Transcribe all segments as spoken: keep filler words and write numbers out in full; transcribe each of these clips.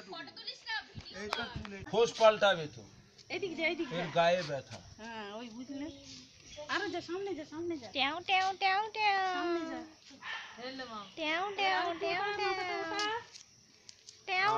খোঁজ পাল্টাবে তো এদিক যা এদিক এর গায়ে ব্যথা হ্যাঁ ওই বুঝলে আরে যা সামনে যা সামনে যা ট্যাও ট্যাও ট্যাও ট্যাও সামনে যা হেলে মা ট্যাও ট্যাও ট্যাও ট্যাও ট্যাও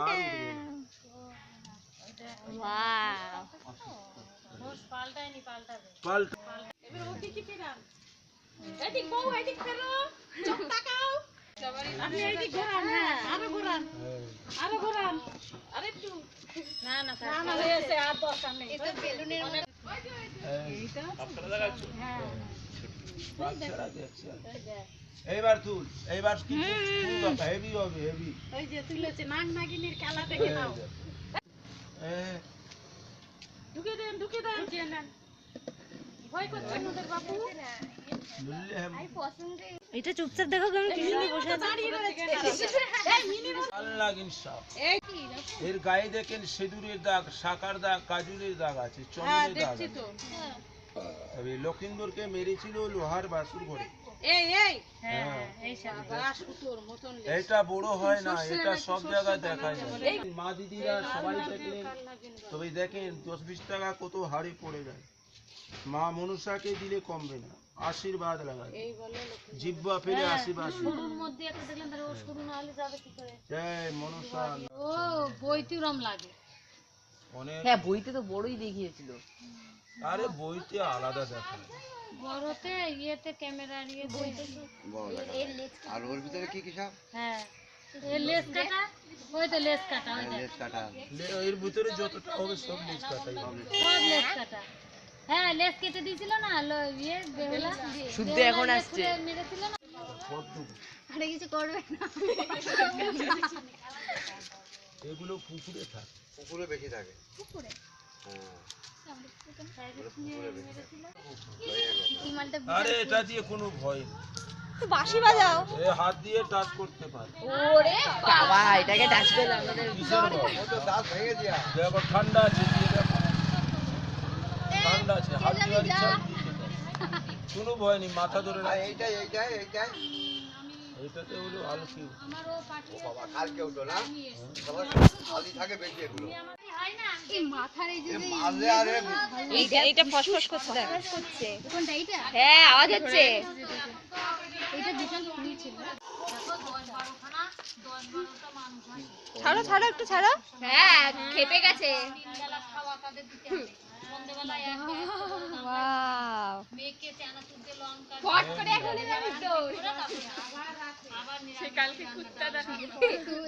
ওয়াও খোঁজ পাল্টায়নি পাল্টাবে পাল্টা এবার ওকে কি ফেরান এদিক বউ এদিক ফেরো চোখ তাকাও আপনি এদিক ঘোরান হ্যাঁ আরো ঘোরান আরো ঘোরান আরে একটু না না না না হয়েছে আর দরকার নেই এটা বেলুনের মতো এইটা আপনারা লাগাচ্ছো হ্যাঁ বাচ্চারা দেখছে এইবার তুল এইবার কিন্তু তুল হেভি হবে হেভি ওই যে তুলেছে নাগ নাগিনীর খেলা দেখে নাও হ্যাঁ ঢুকে দেন ঢুকে দেন যে নেন ভয় করছেন ওদের বাবু বুঝলে আই পছন্দ এটা চুপচাপ দেখো কেমন কি সুন্দর বসে আছে দাঁড়িয়ে রয়েছে এই মিনি আল্লাহ ইনসাফ এই কি এর গায়ে দেখেন সিঁদুরের দাগ শাকার দাগ কাজুরের দাগ আছে হ্যাঁ চন্দনের দাগ দেখছি আছে তো তবে লক্ষিন্দরকে মেরেছিল লোহার বাসুর ঘরে এই এই হ্যাঁ এই সাবা সুতোর মতন এটা বড় হয় না এটা সব জায়গায় দেখা যায় মা দিদিরা সবাই দেখলেন তবে দেখেন দশ বিশ টাকা কত হাড়ে পড়ে যায় মা মনুষাকে দিলে কমবে না আশীর্বাদ লাগায় এই বলে জিব্বা ফেলে আশীর্বাদ শুরুর মধ্যে একটা দেখলেন তাহলে ও শুরু না হলে যাবে কি করে জয় মনুষা ও বইতিরম লাগে অনেক হ্যাঁ বইতে তো বড়ই দেখিয়েছিল আরে বইতে আলাদা দেখা বড়তে ইয়েতে ক্যামেরার ইয়ে বইতে আর ওর ভিতরে কি কি সব হ্যাঁ এই লেস কাটা ওই তো লেস কাটা ওই লেজ কাটা এর ভিতরে যতটা হবে সব লিজ কাটাই হবে সব লেস কাটা হ্যাঁ লেস কেটে দিয়েছিল না লো- ইয়ে বেহুলা শুদ্ধ এখন আসছে মেরেছিল না সবটুকু আরে কিছু করবে না এগুলো পুকুরে থাকে পুকুরে বেশি থাকে পুকুরে হ্যাঁ কি মালটা আরে এটা দিয়ে কোনো ভয় নেই তো বাঁশি বাজাও এ হাত দিয়ে টাচ করতে পারে ওরে বাবা এটাকে টাচ করলে আমাদের কিসের ভয় ও তো দাঁত ভেঙে দিয়া দেখো ঠান্ডা আছে দিয়ে দেখো ঠান্ডা আছে হাত দিয়ে ইচ্ছা কোনো ভয় নেই মাথা ধরে আর রাখ এইটাই এইটাই এইটাই এটাতে হলো আলো কি ও বাবা কালকে উঠো না সবার খালি থাকে বেশি এগুলো এই মাথার এই যে মারলে আরে এইটা এইটা ফসফস করছে দেখ করছে কোনটা এইটা হ্যাঁ আওয়াজ হচ্ছে এটা ভীষণ ফুল ছিল ছাড়ো ছাড়ো একটু ছাড়ো হ্যাঁ খেপে গেছে ওয়াও মেয়েকে চানাচুর দিয়ে লঙ্কা ফট করে এখনই যাবি তো সে কালকে কুত্তা দেখা